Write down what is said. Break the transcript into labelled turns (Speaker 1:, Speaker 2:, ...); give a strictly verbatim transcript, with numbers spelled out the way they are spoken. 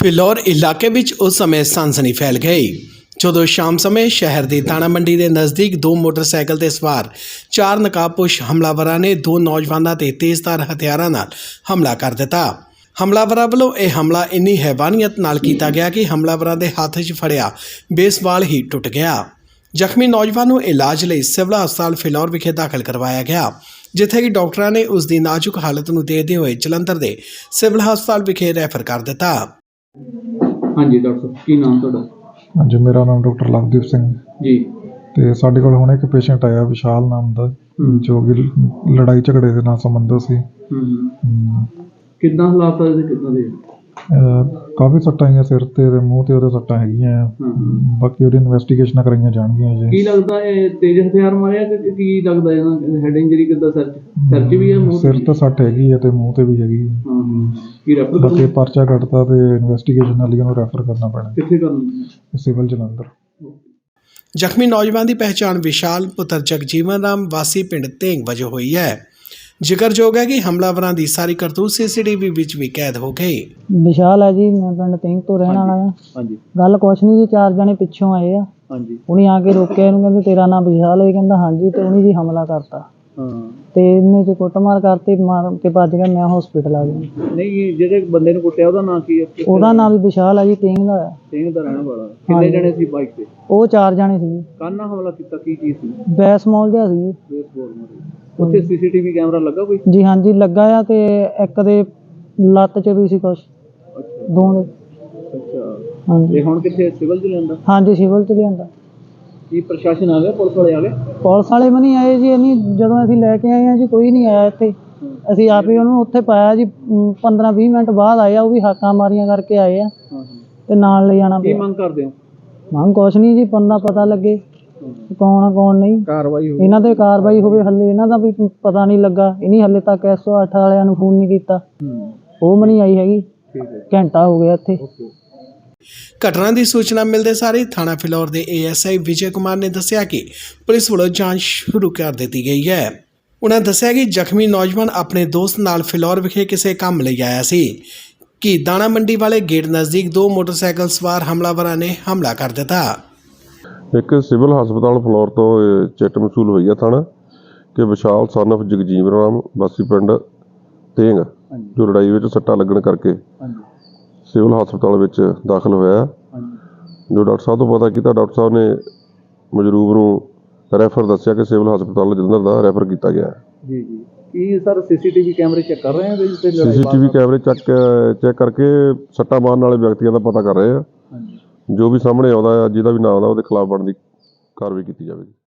Speaker 1: ਫਿਲੌਰ ਇਲਾਕੇ ਵਿੱਚ ਉਸ ਸਮੇਂ ਸਨਸਨੀ ਫੈਲ ਗਈ ਜਦੋਂ ਸ਼ਾਮ ਸਮੇਂ ਸ਼ਹਿਰ ਦੀ ਦਾਣਾ ਮੰਡੀ ਦੇ ਨਜ਼ਦੀਕ ਦੋ ਮੋਟਰਸਾਈਕਲ ਤੇ ਸਵਾਰ ਚਾਰ ਨਕਾਬਪੋਸ਼ ਹਮਲਾਵਰਾਂ ਨੇ ਦੋ ਨੌਜਵਾਨਾਂ ਤੇ ਤੇਜ਼ਧਾਰ ਹਥਿਆਰਾਂ ਨਾਲ ਹਮਲਾ ਕਰ ਦਿੱਤਾ। ਹਮਲਾਵਰਾਂ ਵੱਲੋਂ ਇਹ ਹਮਲਾ ਇੰਨੀ ਹੈਵਾਨੀਅਤ ਨਾਲ ਕੀਤਾ ਗਿਆ ਕਿ ਹਮਲਾਵਰਾਂ ਦੇ ਹੱਥ 'ਚ ਫੜਿਆ ਬੇਸਬਾਲ ਹੀ ਟੁੱਟ ਗਿਆ। ਜ਼ਖਮੀ ਨੌਜਵਾਨ ਨੂੰ ਇਲਾਜ ਲਈ ਸਿਵਲ ਹਸਪਤਾਲ ਫਿਲੌਰ ਵਿਖੇ ਦਾਖਲ ਕਰਵਾਇਆ ਗਿਆ, ਜਿੱਥੇ ਕਿ ਡਾਕਟਰਾਂ ਨੇ ਉਸ ਦੀ ਨਾਜ਼ੁਕ ਹਾਲਤ ਨੂੰ ਦੇਖਦੇ ਹੋਏ ਜਲੰਧਰ ਦੇ ਸਿਵਲ ਹਸਪਤਾਲ ਵਿਖੇ ਰੈਫਰ ਕਰ ਦਿੱਤਾ।
Speaker 2: ਹਾਂਜੀ ਡਾਕਟਰ ਸਾਹਿਬ, ਕੀ ਨਾਮ ਤੁਹਾਡਾ?
Speaker 3: ਹਾਂਜੀ, ਮੇਰਾ ਨਾਮ ਡਾਕਟਰ ਲਵਦੀਪ ਸਿੰਘ
Speaker 2: ਜੀ।
Speaker 3: ਤੇ ਸਾਡੇ ਕੋਲ ਹੁਣ ਇੱਕ ਪੇਸ਼ੈਂਟ ਆਇਆ ਵਿਸ਼ਾਲ ਨਾਮ ਦਾ, ਜੋ ਕਿ ਲੜਾਈ ਝਗੜੇ ਦੇ ਨਾਲ ਸੰਬੰਧਿਤ ਸੀ।
Speaker 2: ਹੂੰ ਕਿੱਦਾਂ ਹਾਲਾਤ ਆ ਇਹਦੇ, ਕਿੱਦਾਂ ਦੇ?
Speaker 3: ਕਾਫੀ ਸੱਟਾਂ ਆਈਆਂ ਸਿਰ ਤੇ ਤੇ ਮੂੰਹ ਤੇ ਉਹਦੇ ਸੱਟਾਂ ਹੈਗੀਆਂ। ਬਾਕੀ ਉਹਦੀ ਇਨਵੈਸਟੀਗੇਸ਼ਨਾਂ ਕਰਾਈਆਂ ਜਾਣਗੀਆਂ ਜੀ।
Speaker 2: ਕੀ ਲੱਗਦਾ ਇਹ ਤੇਜ਼ ਹਥਿਆਰ ਮਾਰਿਆ ਕਿ ਕੀ ਲੱਗਦਾ ਇਹਨਾਂ ਹੈਡ ਇੰਜਰੀ ਕਿੱਦਾਂ? ਸਿਰ 'ਚ ਸਿਰ 'ਚ ਵੀ ਹੈ, ਮੂੰਹ
Speaker 3: ਸਿਰ ਤੇ ਸੱਟ ਹੈਗੀ ਹੈ ਤੇ ਮੂੰਹ ਤੇ ਵੀ ਹੈਗੀ ਹੈ।
Speaker 2: ਹਾਂ ਹਾਂ ਕੀ ਰੈਫਰ
Speaker 3: ਬਾਕੀ
Speaker 2: ਕਰਨਾ?
Speaker 3: ਪਰਚਾ ਕੱਟਦਾ ਤੇ ਇਨਵੈਸਟੀਗੇਸ਼ਨ ਨਾਲ ਉਹਨੂੰ ਰੈਫਰ ਕਰਨਾ ਪੈਣਾ।
Speaker 2: ਕਿੱਥੇ ਕਰਨਾ?
Speaker 3: ਸਿਵਲ ਜਲੰਧਰ।
Speaker 1: ਜ਼ਖਮੀ ਨੌਜਵਾਨ ਦੀ ਪਹਿਚਾਣ ਵਿਸ਼ਾਲ ਪੁੱਤਰ ਜਗਜੀਵਨ ਰਾਮ ਵਾਸੀ ਪਿੰਡ ਤੇਂਗ ਵਜੋਂ ਹੋਈ ਹੈ। ਜ਼ਿਕਰਯੋਗ ਹੈ ਕਿ ਹਮਲਾਵਰਾਂ ਦੀ ਸਾਰੀ ਕਰਤੂਤ ਸੀਸੀਟੀਵੀ ਵਿੱਚ ਵੀ ਕੈਦ ਹੋ ਗਈ।
Speaker 4: ਵਿਸ਼ਾਲ ਹੈ ਜੀ, ਮੈਂ ਪਿੰਡ ਤੇਂਗ ਤੋਂ ਰਹਿਣ ਵਾਲਾ ਹਾਂ।
Speaker 2: ਹਾਂਜੀ।
Speaker 4: ਗੱਲ ਕੁਛ ਨਹੀਂ ਜੀ, ਚਾਰ ਜਣੇ ਪਿੱਛੋਂ ਆਏ ਆ।
Speaker 2: ਹਾਂਜੀ।
Speaker 4: ਉਹਨੇ ਆ ਕੇ ਰੋਕਿਆ, ਇਹਨੂੰ ਕਹਿੰਦੇ ਤੇਰਾ ਨਾਮ ਵਿਸ਼ਾਲ ਹੈ? ਕਹਿੰਦਾ ਹਾਂਜੀ। ਤੇ ਉਹਨੇ ਜੀ ਹਮਲਾ ਕਰਤਾ।
Speaker 2: ਹਾਂ।
Speaker 4: ਤੇ ਇਹਨੇ ਚ ਕੁੱਟਮਾਰ ਕਰਤੀ, ਮਾਰ ਕੇ ਭੱਜ ਗਿਆ। ਮੈਂ ਹਸਪੀਟਲ ਆ ਗਿਆ।
Speaker 2: ਨਹੀਂ, ਜਿਹੜੇ ਬੰਦੇ ਨੂੰ ਕੁੱਟਿਆ ਉਹਦਾ ਨਾਂ ਕੀ ਹੈ?
Speaker 4: ਉਹਦਾ ਨਾਮ ਵੀ ਵਿਸ਼ਾਲ ਹੈ ਜੀ, ਤੇਂਗ ਦਾ ਹੈ।
Speaker 2: ਤੇਂਗ ਦਾ ਰਹਿਣ ਵਾਲਾ। ਕਿੰਨੇ ਜਣੇ ਸੀ ਬਾਈਕ ਤੇ?
Speaker 4: ਉਹ ਚਾਰ ਜਣੇ ਸੀ।
Speaker 2: ਕਾਹਨਾਂ ਹਮਲਾ ਕੀਤਾ, ਕੀ ਚੀਜ਼ ਸੀ?
Speaker 4: ਬੈਸਮਾਲ ਜਿਹਾ ਸੀ।
Speaker 2: ਬੇਸਬਾਲ ਮਾਰੀ। ਉੱਥੇ ਸੀਸੀਟੀਵੀ ਕੈਮਰਾ ਲੱਗਾ ਕੋਈ?
Speaker 4: ਜੀ ਹਾਂਜੀ ਲੱਗਾ ਆ, ਤੇ ਇੱਕ ਦੇ ਲੱਤ 'ਚ ਵੀ ਸੀ ਕੁਛ।
Speaker 2: ਅੱਛਾ।
Speaker 4: ਦੋ ਦੇ।
Speaker 2: ਅੱਛਾ।
Speaker 4: ਹਾਂਜੀ।
Speaker 2: ਇਹ ਹੁਣ ਕਿੱਥੇ, ਸਿਵਲ 'ਚ ਲਿਆਂਦਾ?
Speaker 4: ਹਾਂਜੀ ਸਿਵਲ 'ਚ ਲਿਆਂਦਾ।
Speaker 2: ਕੀ ਪ੍ਰਸ਼ਾਸਨ ਆ ਗਿਆ? ਪੁਲਿਸ ਵਾਲੇ ਆ ਗਏ?
Speaker 4: ਪੁਲਿਸ ਵਾਲੇ ਵੀ ਨਹੀਂ ਆਏ ਜੀ। ਇੰਨੀ ਜਦੋਂ ਅਸੀਂ ਲੈ ਕੇ ਆਏ ਹਾਂ ਜੀ, ਕੋਈ ਨਹੀਂ ਆਇਆ ਇੱਥੇ। ਅਸੀਂ ਆਪ ਹੀ ਉਹਨੂੰ ਉੱਥੇ ਪਾਇਆ ਜੀ। ਪੰਦਰਾਂ ਵੀਹ ਮਿੰਟ ਬਾਅਦ ਆਇਆ, ਉਹ ਵੀ ਹਾਕਾਂ ਮਾਰੀਆਂ ਕਰਕੇ ਆਏ ਆ।
Speaker 2: ਹਾਂ ਹਾਂ।
Speaker 4: ਤੇ ਨਾਲ ਲੈ ਜਾਣਾ
Speaker 2: ਕੀ
Speaker 4: ਪਿਆ।
Speaker 2: ਮੰਗ ਕਰਦੇ ਹੋ?
Speaker 4: ਮੰਗ ਕੁਛ ਨਹੀਂ ਜੀ, ਬੰਦਾ ਪਤਾ ਲੱਗੇ ਕੌਣ ਆ ਕੌਣ ਨਹੀਂ।
Speaker 2: ਕਾਰਵਾਈ ਹੋਵੇ,
Speaker 4: ਇਹਨਾਂ ਤੇ ਕਾਰਵਾਈ ਹੋਵੇ। ਹੱਲੇ ਇਹਨਾਂ ਦਾ ਵੀ ਪਤਾ ਨਹੀਂ ਲੱਗਾ। ਇਹਨੀ ਹੱਲੇ ਤੱਕ ਇੱਕ ਸੌ ਅੱਠ ਵਾਲਿਆਂ ਨੂੰ ਫੋਨ ਨਹੀਂ ਕੀਤਾ। ਉਹ ਵੀ ਨਹੀਂ ਆਈ ਹੈਗੀ।
Speaker 2: ਠੀਕ ਹੈ।
Speaker 4: ਘੰਟਾ ਹੋ ਗਿਆ ਇੱਥੇ।
Speaker 1: ਘਟਨਾ ਦੀ ਸੂਚਨਾ ਮਿਲਦੇ ਸਾਰ ਹੀ ਥਾਣਾ ਫਿਲੌਰ ਦੇ A S I Vijay Kumar ਨੇ ਦੱਸਿਆ ਕਿ ਪੁਲਿਸ ਵੱਲੋਂ ਜਾਂਚ ਸ਼ੁਰੂ ਕਰ ਦਿੱਤੀ ਗਈ ਹੈ। ਉਹਨਾਂ ਦੱਸਿਆ ਕਿ ਜ਼ਖਮੀ ਨੌਜਵਾਨ ਆਪਣੇ ਦੋਸਤ ਨਾਲ ਫਿਲੌਰ ਵਿਖੇ ਕਿਸੇ ਕੰਮ ਲਈ ਆਇਆ ਸੀ ਕਿ ਦਾਣਾ ਮੰਡੀ ਵਾਲੇ ਗੇਟ ਨਜ਼ਦੀਕ ਦੋ ਮੋਟਰਸਾਈਕਲ ਸਵਾਰ ਹਮਲਾਵਰਾਂ ਨੇ ਹਮਲਾ ਕਰ ਦਿੱਤਾ।
Speaker 5: ਇੱਕ ਸਿਵਲ ਹਸਪਤਾਲ ਫਲੋਰ ਤੋਂ ਚਿੱਟ ਮਸੂਲ ਹੋਈ ਹੈ ਥਾਣਾ ਕਿ ਵਿਸ਼ਾਲ ਸਨ ਆਫ ਜਗਜੀਵਨ ਰਾਮ ਵਾਸੀ ਪਿੰਡ ਤੇਂਗ, ਜੋ ਲੜਾਈ ਵਿੱਚ ਸੱਟਾਂ ਲੱਗਣ ਕਰਕੇ ਸਿਵਲ ਹਸਪਤਾਲ ਵਿੱਚ ਦਾਖਲ ਹੋਇਆ। ਜੋ ਡਾਕਟਰ ਸਾਹਿਬ ਤੋਂ ਪਤਾ ਕੀਤਾ, ਡਾਕਟਰ ਸਾਹਿਬ ਨੇ ਮਜਰੂਬ ਨੂੰ ਰੈਫਰ ਦੱਸਿਆ ਕਿ ਸਿਵਲ ਹਸਪਤਾਲ ਜਲੰਧਰ ਦਾ ਰੈਫਰ ਕੀਤਾ ਗਿਆ।
Speaker 2: ਜੀ ਜੀ। ਕੀ ਸਰ ਸੀਸੀਟੀਵੀ ਕੈਮਰੇ ਚੈੱਕ ਕਰ ਰਹੇ ਹੋ?
Speaker 5: ਸੀਸੀਟੀਵੀ ਕੈਮਰੇ ਚੈੱਕ ਚੈੱਕ ਕਰਕੇ ਸੱਟਾਂ ਮਾਰਨ ਵਾਲੇ ਵਿਅਕਤੀਆਂ ਦਾ ਪਤਾ ਕਰ ਰਹੇ ਆ। ਜੋ ਵੀ ਸਾਹਮਣੇ ਆਉਂਦਾ, ਜਿਹਦਾ ਵੀ ਨਾਮ ਆਉਂਦਾ, ਉਹਦੇ ਖਿਲਾਫ ਬਣਦੀ ਕਾਰਵਾਈ ਕੀਤੀ ਜਾਵੇਗੀ।